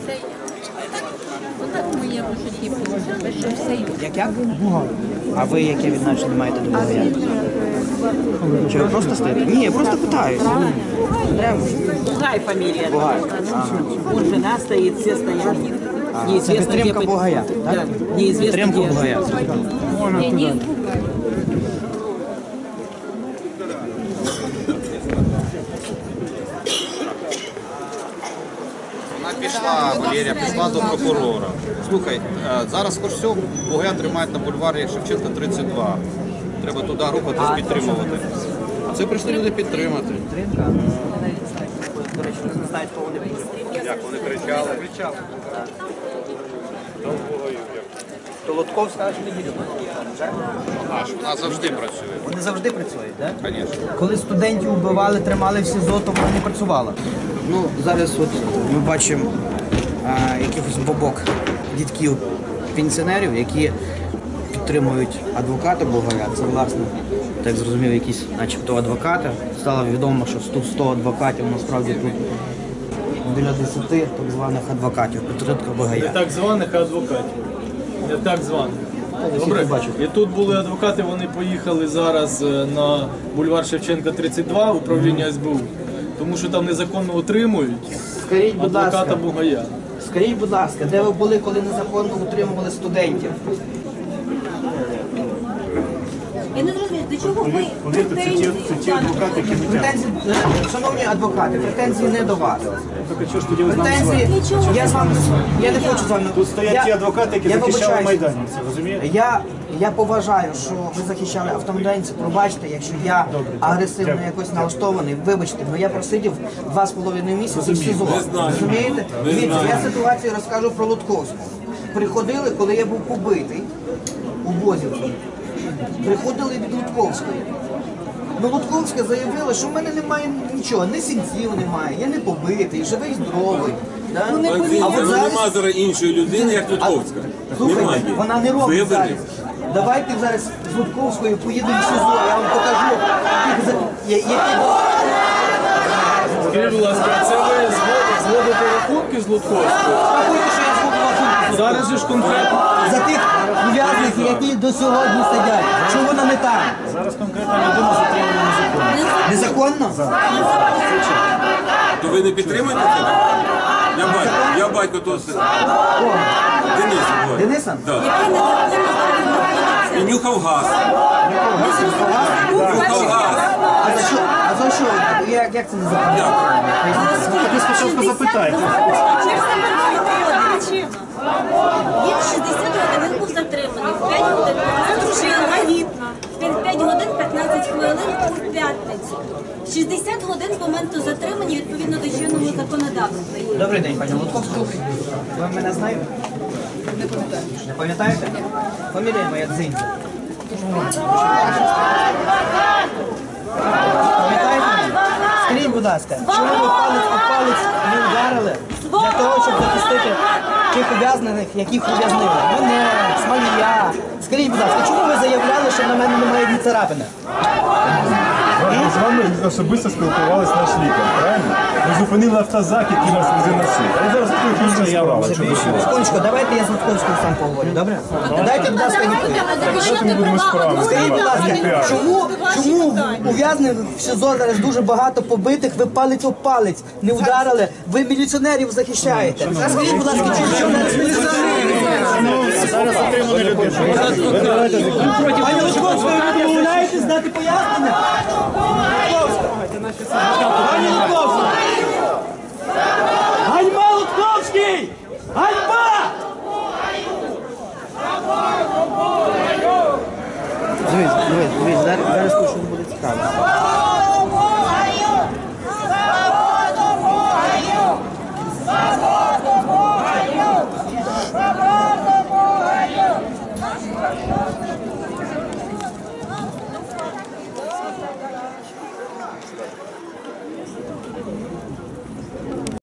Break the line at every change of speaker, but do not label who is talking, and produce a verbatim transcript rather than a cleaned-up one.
Як як? А ви яке відношення маєте до Бугая? Чи ви просто стоїте? Ні, я просто питаюсь.
Бугай фамилия.
Бугай.
Он жена стоит, все стоят.
Це підтримка Бугая, так? Підтримка Бугая.
Вона пішла, Валерія, пішла до прокурора. Слухай, зараз хоч все, Бугая тримають на бульварі Шевченка тридцять два. Треба туди рухатись, підтримувати. А це прийшли люди підтримати.
До речі, не знають, кого вони підтримують.
Як вони кричали?
Кричали. То Лутковська аж не їде.
Аж вона завжди працює.
Вони завжди працюють, так?
Звісно.
Коли студентів вбивали, тримали в СІЗО, то вона не працювала. Ну, зараз от ми бачимо а, якихось бабок дітків пенсіонерів, які підтримують адвоката Бугая. Це, власне, так зрозумів, якісь начебто адвокати. Стало відомо, що тут сто адвокатів, насправді тут біля десяти так званих адвокатів, підтримка Бугая.
Не так званих, а адвокатів. Не так званих. Добре. І тут були адвокати, вони поїхали зараз на бульвар Шевченка тридцять два, управління ес бе у, тому що там незаконно отримують
Скажіть, будь
адвоката
ласка,
Бугая.
скажіть, будь ласка, де ви були, коли незаконно утримували студентів?
Я не розумію, до чого ви претензії?
Претензії, шановні адвокати, претензії не до вас. Претензії, я з вами, я не хочу з вами.
Тут стоять ті адвокати, які захищали майданівців, розумієте?
Я, я поважаю, що ви захищали автомайданців. Пробачте, якщо я агресивно якось налаштований, вибачте, але я просидів два з половиною місяці в СІЗО. Розумієте? Дивіться, я ситуацію розкажу про Лутковську. Приходили, коли я був побитий у Бозівці. Приходили від Лутковської. Ну, Лутковська заявила, що в мене немає нічого, ні синців немає, я не побитий, живий, здоровий. Да?
А от зараз... Нема зараз іншої людини, як Лутковська.
Слухайте,
немає.
вона не робить
Виборів.
зараз. Давайте зараз з Лутковською поїдемо в СІЗО, я вам покажу, які...
Скажіть, будь ласка, це ви зводите рахунки з Лутковською?
Рахуйте, що я звук рахунку.
Зараз же ж конкретно.
За тих ув'язних, які до сьогодні сидять. Що вона не там?
Зараз конкретна людина затримана незаконно.
Незаконно?
То ви не підтримуєте це? Я батько, я батько то все. Денис. ой.
Дениса?
Да. І нюхав газ. Нюхав газ.
А за що? А за що? Як, як це незаконно?
Ви спочатку запитайте.
Він шістдесят годин, він був затриманий. п'ять годин, дружина вагітна. Він п'ять годин, п'ятнадцять хвилин у п'ятницю. шістдесят годин з моменту затримання відповідно до чинного законодавства.
Добрий день, пані Лутковська. Ви мене знаєте? Не пам'ятаю. Не пам'ятаєте? Фамілія моя Дзинь. Пам'ятаєте мене? Скажіть, будь ласка, чому ви палець у палець не вдарили для того, щоб захистити тих ув'язнених, яких ув'язнили? Мене, Смолія. Скажіть, будь ласка, чому ви заявляли, що на мене немає ні царапини?
З вами особисто спілкувалися наш лікар, правильно? Ми зупинили автозак, який нас везе на суд. А зараз тут інша справа.
Секундочку, давайте я з Лутковською сам поговорю, добре? Дайте, будь ласка,
Давайте ми будемо справи.
Скажіть, будь ласка, чому, чому ув'язнених в СІЗО зараз дуже багато побитих, ви палець об палець не вдарили, ви міліціонерів захищаєте? Скажіть, будь ласка, чому зараз міліціонерів?
Зараз отримали людину.
Пані Лутковська, ви відмовляєтесь дати пояснення? Пані Лутковська! Ганьба, Лутковський! Ганьба! Дивись, дивись, дивись, зараз, зараз що буде цікаво.